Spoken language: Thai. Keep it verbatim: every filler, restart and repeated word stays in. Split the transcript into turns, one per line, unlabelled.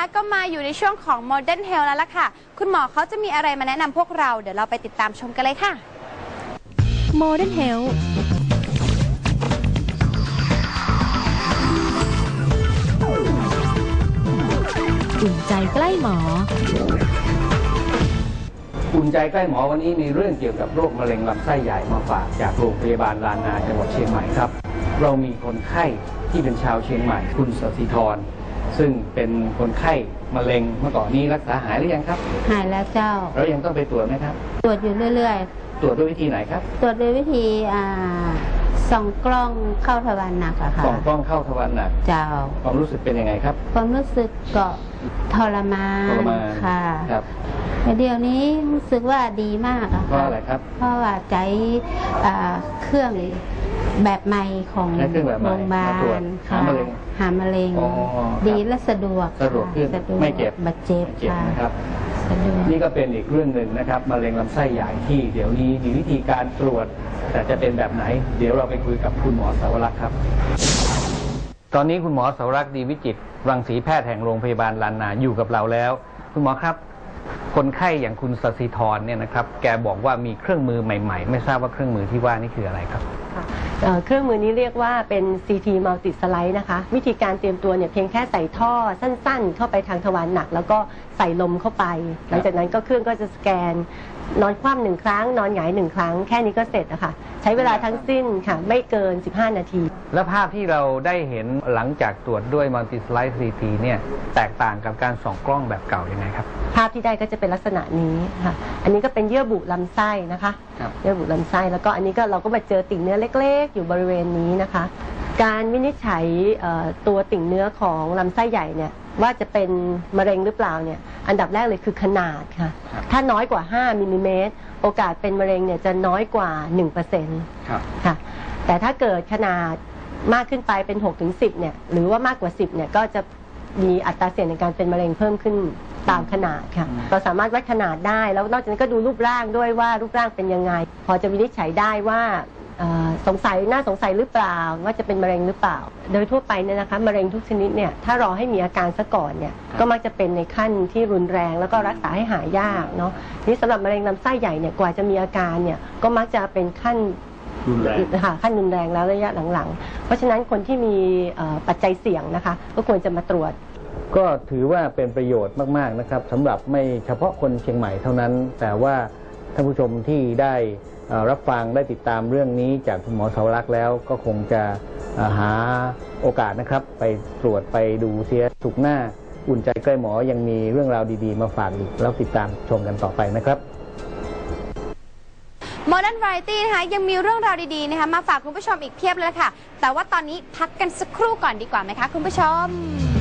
ก็มาอยู่ในช่วงของ Modern Health แล้วล่ะค่ะคุณหมอเขาจะมีอะไรมาแนะนำพวกเราเดี๋ยวเราไปติดตามชมกันเลยค่ะ
Modern Health อุ่นใจใกล้หมอ
อุ่นใจใกล้หมอวันนี้มีเรื่องเกี่ยวกับโรคมะเร็งลำไส้ใหญ่มาฝากจากโรงพยาบาลลานนาจังหวัดเชียงใหม่ครับเรามีคนไข้ที่เป็นชาวเชียงใหม่คุณสศิธรซึ่งเป็นคนไข้มะเร็งเมื่อก่อนนี้รักษาหายหรือยังครับ
หายแล้วเจ้า
แล้วยังต้องไปตรวจไหมครับ
ตรวจอยู่เรื่อย
ๆตรวจด้วยวิธีไหนครับ
ตรวจด้วยวิธีอ่าส่องกล้องเข้าทวารหนักอะค่ะ
ส่องกล้องเข้าทวารหนัก
เจ้า
ความรู้สึกเป็นยังไงครับ
ความรู้สึกก็ทรมาน
ทรมาน
ค่ะ
ครับ
เดี๋ยวนี้รู้สึกว่าดีมากอะค่ะ
เพราะอะไรครับ
เพราะว่าใจเครื่องแบบใหม่ของโรงพยาบาล
หามะเร็ง
หามะเร็งดีและสะดวก
สะดวกขึ้นไม่เจ็บ
ไม่เจ็บ
นะครับนี่ก็เป็นอีกเรื่องหนึ่งนะครับมะเร็งลำไส้ใหญ่ที่เดี๋ยวนี้มีวิธีการตรวจแต่จะเป็นแบบไหนเดี๋ยวเราไปคุยกับคุณหมอสาวรักษ์ครับตอนนี้คุณหมอสาวรักษ์ดีวิจิตรรังสีแพทย์แห่งโรงพยาบาลลานนาอยู่กับเราแล้วคุณหมอครับคนไข้อย่างคุณสศิธรเนี่ยนะครับแกบอกว่ามีเครื่องมือใหม่ๆไม่ทราบว่าเครื่องมือที่ว่านี่คืออะไรครับ
เครื่องมือนี้เรียกว่าเป็น ซี ที Multi Slide นะคะวิธีการเตรียมตัวเนี่ยเพียงแค่ใส่ท่อสั้นๆเข้าไปทางทวารหนักแล้วก็ใส่ลมเข้าไปหลังจากนั้นก็เครื่องก็จะสแกนนอนคว่ำหนึ่งครั้งนอนหงายหนึ่งครั้งแค่นี้ก็เสร็จนะคะใช้เวลาทั้งสิ้นค่ะไม่เกินสิบห้านาที
และภาพที่เราได้เห็นหลังจากตรวจด้วย Multi Slide ซี ที เนี่ยแตกต่างกับการส่องกล้องแบบเก่ายังไงครับ
ภาพที่ได้ก็จะเป็นลักษณะนี้ค่ะอันนี้ก็เป็นเยื่อบุลำไส้นะคะเยื่อบุลำไส้แล้วก็อันนี้ก็เราก็มาเจอติ่งเนื้อเล็กๆอยู่บริเวณนี้นะคะการวินิจฉัยตัวติ่งเนื้อของลำไส้ใหญ่เนี่ยว่าจะเป็นมะเร็งหรือเปล่าเนี่ยอันดับแรกเลยคือขนาดค่ะถ้าน้อยกว่าห้ามิลลิเมตรโอกาสเป็นมะเร็งเนี่ยจะน้อยกว่า หนึ่งเปอร์เซ็นต์ ค่ะแต่ถ้าเกิดขนาดมากขึ้นไปเป็น หกถึงสิบ เนี่ยหรือว่ามากกว่าสิบเนี่ยก็จะมีอัตราเสี่ยงในการเป็นมะเร็งเพิ่มขึ้นตามขนาดค่ะเราสามารถวัดขนาดได้แล้วนอกจากนั้นก็ดูรูปร่างด้วยว่ารูปร่างเป็นยังไงพอจะวินิจฉัยได้ว่าสงสัยน่าสงสัยหรือเปล่าว่าจะเป็นมะเร็งหรือเปล่าโดยทั่วไปเนี่ยนะคะมะเร็งทุกชนิดเนี่ยถ้ารอให้มีอาการซะก่อนเนี่ยก็มักจะเป็นในขั้นที่รุนแรงแล้วก็รักษาให้หายยากเนาะนี่สำหรับมะเร็งลำไส้ใหญ่เนี่ยกว่าจะมีอาการเนี่ยก็มักจะเป็นขั้น
รุนแรง
ขั้นรุนแรงแล้วระยะหลังๆเพราะฉะนั้นคนที่มีปัจจัยเสี่ยงนะคะก็ควรจะมาตรวจ
ก็ถือว่าเป็นประโยชน์มากๆนะครับสำหรับไม่เฉพาะคนเชียงใหม่เท่านั้นแต่ว่าท่านผู้ชมที่ได้รับฟังได้ติดตามเรื่องนี้จากคุณหมอสาวรักษ์แล้วก็คงจะหาโอกาสนะครับไปตรวจไปดูเสียสุขหน้าอุ่นใจใกล้หมอยังมีเรื่องราวดีๆมาฝากอีกแล้วติดตามชมกันต่อไปนะครับ
Modern Variety นะคะยังมีเรื่องราวดีๆนะคะมาฝากคุณผู้ชมอีกเพียบเลยค่ะแต่ว่าตอนนี้พักกันสักครู่ก่อนดีกว่าไหมคะคุณผู้ชม